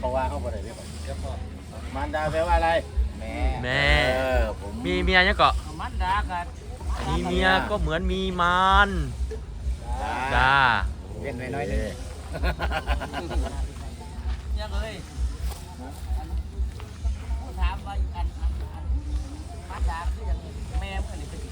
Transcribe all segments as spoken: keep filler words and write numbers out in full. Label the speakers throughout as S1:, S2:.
S1: เพราะว่าเขาอะไรเนี่ยมารดาแปลว่าอะไรแม่
S2: แม่มีเมียยังเกาะ
S3: มารดากัน
S2: มีเมียก็เหมือนมีมารจ้า
S1: เรียกน้อยๆเลย
S3: ยังเลยถามว่าอันอันอันมารดาคืออย่างแม่เมื่อนี่เป็น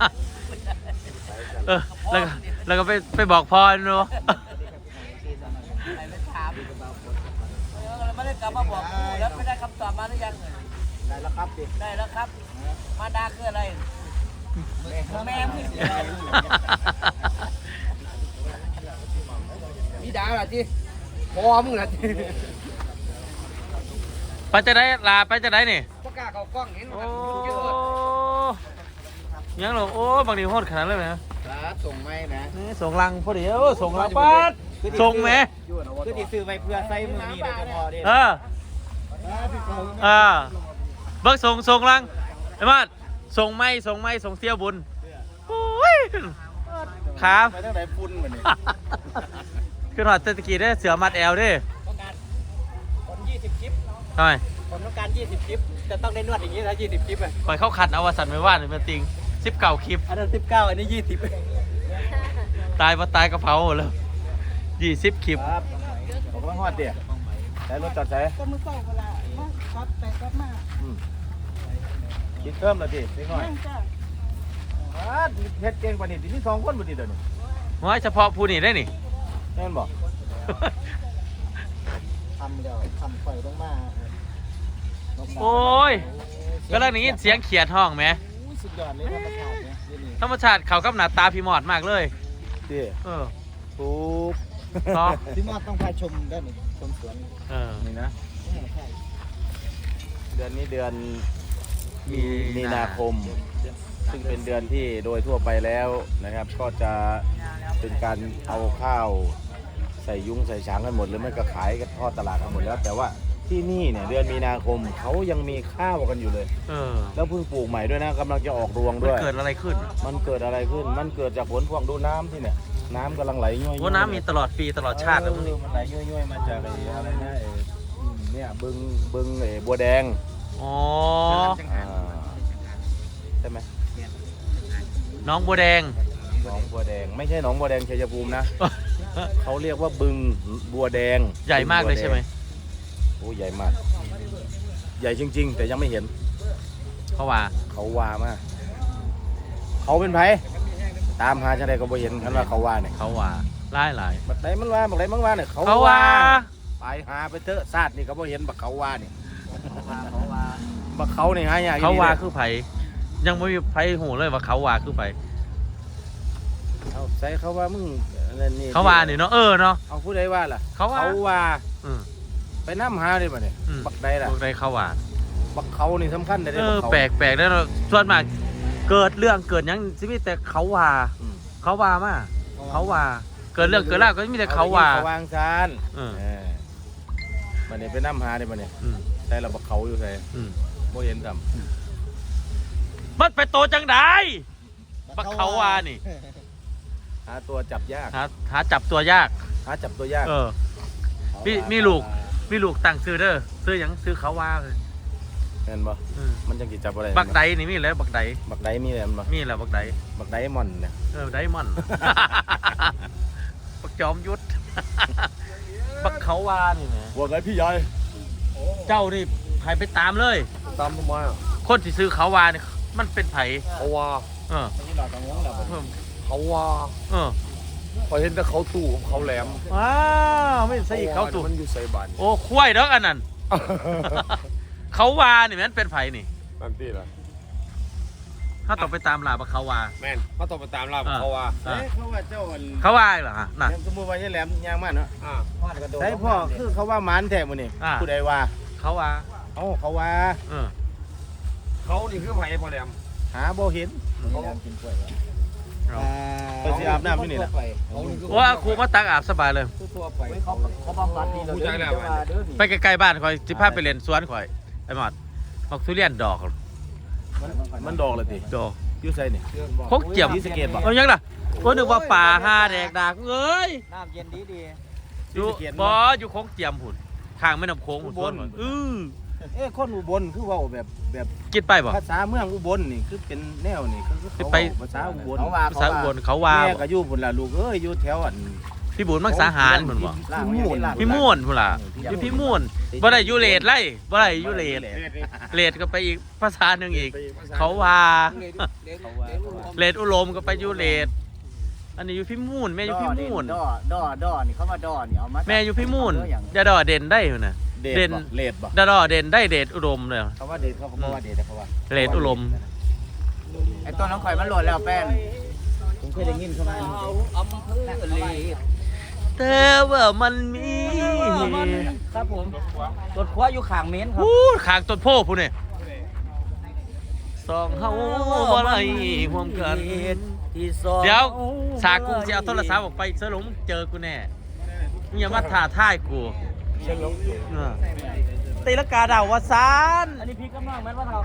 S2: เออแล้วก็แล้วก็ไปไปบอกพ่อเนาะ
S3: ไปไปถามแล้วไม่ได้กลับมาบอกกูแล้วไม่ได้คำตอบมาหรือยัง
S1: ได้แล้วครับดิ
S3: ได้แล้วครับมารดาคืออะไรแม่มึง
S1: พี่ดาล่ะจีพอมึงล่ะจี
S2: ไปจะได้ลาไปจะได้นี่
S1: ประกาศเขากล้องเห็นมั้ย
S2: ยังหรอโอ้บางทีโหดขนาดเลยไหม
S1: ส่งไหมนะ
S2: ส่งลังพอดีเออส่งลังปัดส่งไหม
S1: คือติดซื้อไปเพื่อใส่มือนี่โดยเฉพาะดิ
S2: เออเออเบิกส่งส่งลังไอ้มาส่งไม่ส่งไม่ส่งเสี้ยวบุญโอ้ยครับ
S1: ไปตั้งแต่ฟุ้นเหมือนนี่
S2: คือหอดเศรษฐกิจได้เสือมัดแอลด้วย
S3: ต้องการคนยี่สิบคลิป
S2: ทำไม
S3: ผมต้องการยี่สิบคลิปจะต้องได้นวดอย่างนี้นะยี่สิบคลิปอ่ะ
S2: ปล่อยเข้าขัดเอาวสันไม่ว่าหรือเป็นติงสิบเก่าคลิป
S3: อันนั้นสิบเก้าอันนี้ยี่สิบ
S2: ตายมาตายกระเพราแล้วยี่สิบคลิป
S1: ครับผมก็ฮอดเดี๋ยวใช้รถจอดใช้
S4: ก็มือเปล่าเวลามาคัดไปคัดมา
S1: คิดเพิ่มเลยดินิดหน่อยเฮ็ดเก่งกว่านี้ที่สองคนบ่ดีเดี๋ยวนี้
S2: น้อยเฉพาะผู้นี่ได้นี่
S1: แน่นบอก
S4: ทำเดี๋ยวทำไฟต้องมา
S2: โอ้ยก็เรื่องนี้เสียงเขียดห้องไหม
S4: สุดยอดเลยธรรมชาติเนี่ย
S2: ธรรมชาติเขากับหน้าตาพี่มอดมากเลย
S1: ดิ
S2: เออ
S1: ถูก
S4: พี่มอดต้องพาชมได้หนิชมสวน
S2: เออ
S1: นี่นะเดือนนี้เดือนมีนาคมซึ่งเป็นเดือนที่โดยทั่วไปแล้วนะครับก็จะเป็นการเอาข้าวใส่ยุ้งใส่ช้างกันหมดหรือไม่ก็ขายกันทอดตลาดกันหมดแล้วแต่ว่าที่นี่เนี่ยเดือนมีนาคมเขายังมีข้าวกันอยู่เลย
S2: เออ
S1: แล้วเพิ่งปลูกใหม่ด้วยนะกำลังจะออกรวงด้วย
S2: มันเกิดอะไรขึ้น
S1: มันเกิดอะไรขึ้นมันเกิดจากฝนพวกดูน้ำที่เนี่ยน้ำกำลังไหลย้อย
S2: ๆว่าน้ำมีตลอดปีตลอดชาติเลยมัน
S1: มันไหลย้อยๆมาจากอะไรนะเนี่ยบึงบึงบัวแดง
S2: อ๋อ
S1: ใช่ไหม
S2: น้องบัวแดง
S1: น้องบัวแดงไม่ใช่น้องบัวแดงชัยภูมินะเขาเรียกว่าบึงบัวแดง
S2: ใหญ่มากเลยใช่ไหม
S1: โอ้ใหญ่มากใหญ่จริงๆแต่ยังไม่เห็น
S2: เขาว่า
S1: เขาว่ามาเขาเป็นไผตามหาชาใดก็บ่เห็นกันว่าเขาว่าเนี่ย
S2: เขาว่าหลายหลาย
S1: บักไหนมันว่าบักไหนมันว่าเนี่ย
S2: เขาว่า
S1: ไปหาไปเถอะซาดนี่ก็บ่เห็นบักเขาว่าเนี่ยบักเขาเนี่ยหายาก
S2: เขาว่าคือไผยังไม่มีไผหูเลยว่าเขาว่าคือไผ
S1: เอาใส่เขาว่ามึง
S2: นี่เขาว่าเนี่ยเนาะเออเนาะ
S1: เอาผู้ใดว่าล่ะ
S2: เขาว่า
S1: เขาว่าไปน้ำหาเลยป่ะเนี่ยบักใดล่ะ
S2: บักใดเขาว่า
S1: บักเขานี่สำคัญเลย
S2: เออแปลกแปลกแล้วส่วนมากเกิดเรื่องเกิดยังสิมีแต่เขาว่าเขาว่ามาเขาว่าเกิดเรื่องเกิดแล้วก็มีแต่เขาว่า
S1: เขาวางซานมันเนี่ยไปน้ำหาเลยป่ะเนี่ยใช่เราบักเขาอยู่ใช่โมเห็นจ
S2: ำมันไปโตจังได้บักเขาว่านี่
S1: หาตัวจับยาก
S2: หาหาจับตัวยาก
S1: หาจับตัวยาก
S2: เออมีมีลูกมีลูกต่างซื้อเด้อซื้อยังซื้อเขาว่าเลย
S1: เห็นปะมันจะกี่จับอะไร
S2: บักไดนี่มีแล้วบักได
S1: บักไดมีอะไรมั้ย
S2: มีแล้วบักได
S1: บักไดมอนเนี่ย
S2: เออไดมอนบักจอมยุทธบักเขาว่านี่ไง
S1: บักไดพี่ใหญ่
S2: เจ้านี่ไผไปตามเลย
S1: ตามทำไมอ่ะ
S2: คนที่ซื้อเขาว่านี่มันเป็นไผ
S1: เขาว่า
S2: เออ
S1: เขาว่า
S2: เออ
S1: พอเห็นแต่เขาตู่ของเขาแหลม
S2: ว้าวไม่ใช่เขาตู่
S1: มันอยู่ใส่บาน
S2: โอ้ควายเด้ออันนั้นเขาว่านี่มันเป็นไผนี่
S1: นั่นตีละ
S2: ถ้าต้องไปตามลาบเขาว่า
S1: แม่นเขาต้องไปตามลาบเขาว่าเขาว่าเจ้า
S2: เขาว่าเหรอฮะน่ะ
S1: สมมติว่าใช่แหลมยางมันเนาะใช่พ่อคือเขาว่ามันแท้หมดนี่ผู้ใดว่า
S2: เขาว่า
S1: เอ้าเขาว่า
S2: เออ
S1: เขานี่คือไผพ่อแหลมหาบ่เห็นเขากินกล้วยไปสิอาบน้ำที่นี่แหละ
S2: ว่าครูมาตักอาบสบายเลย
S3: เขาเขาบำบัดดีเลย
S2: ไปไกลๆบ้านคอยจิพาไปเรียนสวนคอยไอ้หมอดมักทุเรียนดอก
S1: มันดอกเลยที
S2: ดอก
S1: ยูไซนี่
S2: โคกเจียม
S1: ที่สเกตบอก
S2: เอายังล่ะก็นึกว่าป่าห้าแดกดักเอ้ย
S3: น้ำเย็นดีดี
S2: อยู่บ่อยู่โคกเจียมหุ่นข้างแม่น้ำโขง
S1: อุ
S2: พุ่น
S1: บล
S2: เออ
S1: เอ้คนอุบลคือเว่าแบบแบบ
S2: กินไปบ่
S1: ภาษาเมืองอุบลนี่คือเป็นแนวนี่คือเขา
S2: ไป
S1: เว้าภาษาอุบล
S3: เขาว่า
S2: ภาษาอุบลเขาว่า
S1: แม่ก็อยู่พุ่นล่ะลูกเอ้ยอยู่แถวอัน
S2: พี่บุญมักสาหารพุ่นบ่
S1: พี่ม่วน
S2: พี่ม่วนพุ่นล่ะอยู่พี่ม่วนบ่ได้อยู่เลดไล่บ่ได้อยู่เลดเลดก็ไปอีกภาษาหนึงอีก เขาว่าเลดอุโลมก็ไปอยู่เลดอันนี้อยู่พี่ม่วนแม่อยู่พี่ม่วน
S3: ดอดอดอนี่เขามาดอนี่เอามา
S2: แม่อยู่พี่ม่วนอย่าดอเด่นได้พุ่นน่ะ
S1: เด
S2: เด่
S1: ด
S2: น
S1: บ่เลดบ่
S2: ดาดอเด่นได้เดชอุดมเลย
S1: เขาว่าเดดเขาเขาบอกว่าเดดแต่เขาว่า
S2: เลดอุดม
S3: ไอ้ต้นน้องข่อยมันโหลดแล้วแป้น
S4: ผมเคยได้ยินเข้ามา
S3: อำเภอลี
S2: แต่ว่ามันมี
S3: ครับผมรถคว้าอยู่ข้างเมนครับ
S2: พูดขางต้นโพผู้นี่สองเฮาบ่ได้ห่วมกัน
S3: ที่สอง
S2: เดี๋ยวสากูจะเอาโทรศัพท์ออกไปเสยหลงเจอกูแน่มึงอย่ามาถ่าท่ายกูเออตีลังกาดาววะซาน
S3: อันนี้พี่กำลังแม่นว่าเรา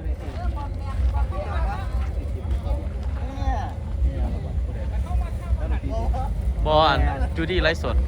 S2: บอลจูดี้ไลฟ์สด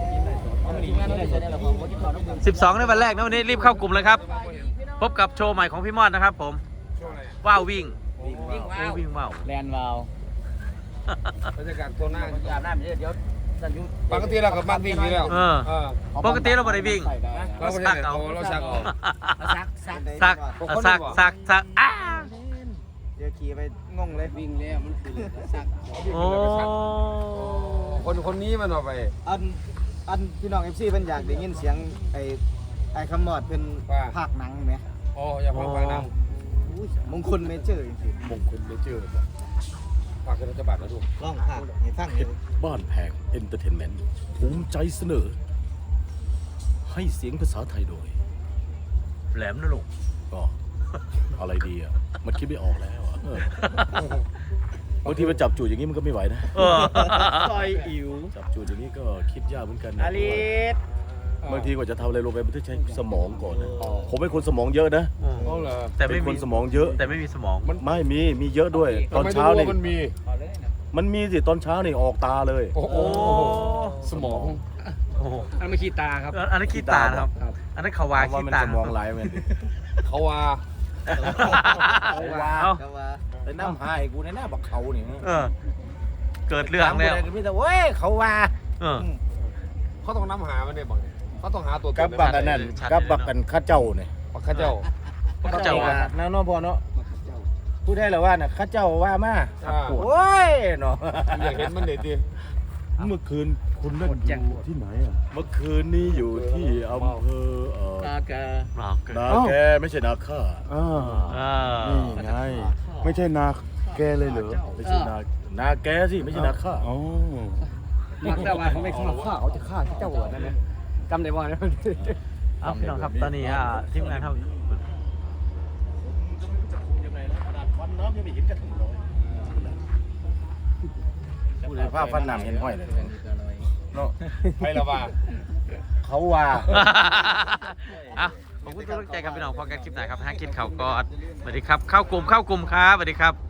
S2: สิบสองในวันแรกนะวันนี้รีบเข้ากลุ่มเลยครับ พบกับโชว์ใหม่ของพี่มอดนะครับผมว้าววิ่ง
S3: วิ่ง
S2: โอ้
S3: ว้าว
S2: วิ่งว้าว
S3: แลนวาว
S5: บรรยากาศตัวหน้า
S3: อาบน้ำเดี๋ยวสันยุ
S5: ปกติเราก็มักวิ่งอยู่แล้ว
S2: เออ
S5: เออ
S2: ปกติเราไม่ได้วิ่ง
S5: เราไม่
S2: สั
S5: ได้
S2: กเอา
S5: เอาเราชักเอา
S3: ซักซัก
S2: สักสักสักสักอ้า
S4: เดี๋ยวขี่ไปงงเลย
S3: วิ่งแล้วมันคือซัก
S2: โอ้
S5: คนคนนี้มันเอาไป
S4: อันอันพี่น้องเอฟซีเพิ่นอยากได้ยินเสียงไอ้ไอ้คำมอดเพิ่นภาคหนังไหม
S5: อ๋ออย่าพังฟังนั่ง
S4: อุ้ยมงคลเมเจอร์จริง
S1: มงคลไม่เจอ
S5: ฝากรัฐบาลนะทุก
S4: ๆลองภาคให้ฟังดู
S1: บ้านแพงเอนเตอร์เทนเมนต์ภูมิใจเสนอ ให้เสียงภาษาไทยโดย
S2: แหลมนะลูก
S1: ก็อะไรดีอ่ะ มันคิดไม่ออกแล้วอ่ะเออบางทีมันจับจูดอย่างนี้มันก็ไม่ไหวนะ
S2: เออ
S4: ซอยอิ๋ว
S1: จับจูดอย่างนี้ก็คิดยากเหมือนกันนะ
S4: อาลิส
S1: บางทีกว่าจะทำอะไรลงไปมันต้องใช้สมองก่อนนะผมเป็นคนสมองเยอะนะ
S5: อ๋อเหรอ
S2: แต่
S1: เป็
S2: ไม่
S1: นค
S2: มี
S1: นสมองเยอะ
S2: แต่ไม่มีสมอง
S1: ไม่มีมีเยอะด้วย ตอนเช้า
S5: ทำไม
S1: นี่
S5: รู้ว่มันมี
S1: มันมีสิตอนเช้านี่ออกตาเลย
S5: โอ้โห สมอง
S2: โอ้โห
S5: อันไม่ขี้ตาครับ
S2: อันนั้นขี้ตาครับ อันนั้นเขาวา
S1: ว่า
S2: ขี้
S1: มัน
S2: ตา
S1: สมองไหลายมัน
S5: เขาว่า
S1: เอาว่า
S2: เอา
S4: ก็ว่า
S1: แต่น้ำหายกูในหน้าบอกเขานี่
S2: เออ เกิดเรื่องแล้ว
S1: ถามกูได้ก็มีแต่เว้ยเขาว่า
S2: เออ
S5: เขาต้องน้ำหามันเนี่ยบังเขาต้องหาตัวต
S1: กับบักอันนั้น
S2: ชัดเลย
S1: กับบักกันข้าเจ้าเนี่ย
S5: บักข้าเจ้า
S2: ข้าเจ้าว่า
S1: น้าน้องพอเนาะพูดได้หรอว่าน่ะข้าเจ้าว่ามา
S5: อ่า
S1: โอ้ยเนาะ
S5: อยากเห็นมันเด็ดดิ
S1: เมื่อคืนคุณเล่นอยู่ที่ไหนอ่ะเมื่อคืนนี้อยู่ที่อำเภอเอ่อ
S3: ตาแก
S2: เราเกิด
S1: นาแกไม่ใช่นาข้า
S6: อ่า
S2: อ่า
S6: นี่ไง ไม่ใช่นาแกเลยเหรอ
S1: ไม่ใช่นานาแกสิไม่ใช่นาข้า
S6: อ๋อ
S3: มักแต่ว่าเขาไม่ฆ่าฆ่าเขาจะฆ่าเจ้าหัวนั่นนะจำได้ว่าเนี่ย
S2: เอาพี่น้องครับตอนนี้อ่ะทีมงานครับ
S1: พูดเลยภาพฟันน้ำเห็นห้อยเลยเนาะ
S5: ไปละว่า
S1: เขาว่า
S2: อ่ะขอบคุณทุกท่านใจครับพี่น้องพอกันคลิปไหนครับหากินข่าวกอดสวัสดีครับ เข้ากลุ่มเข้ากลุ่มครับสวัสดีครับ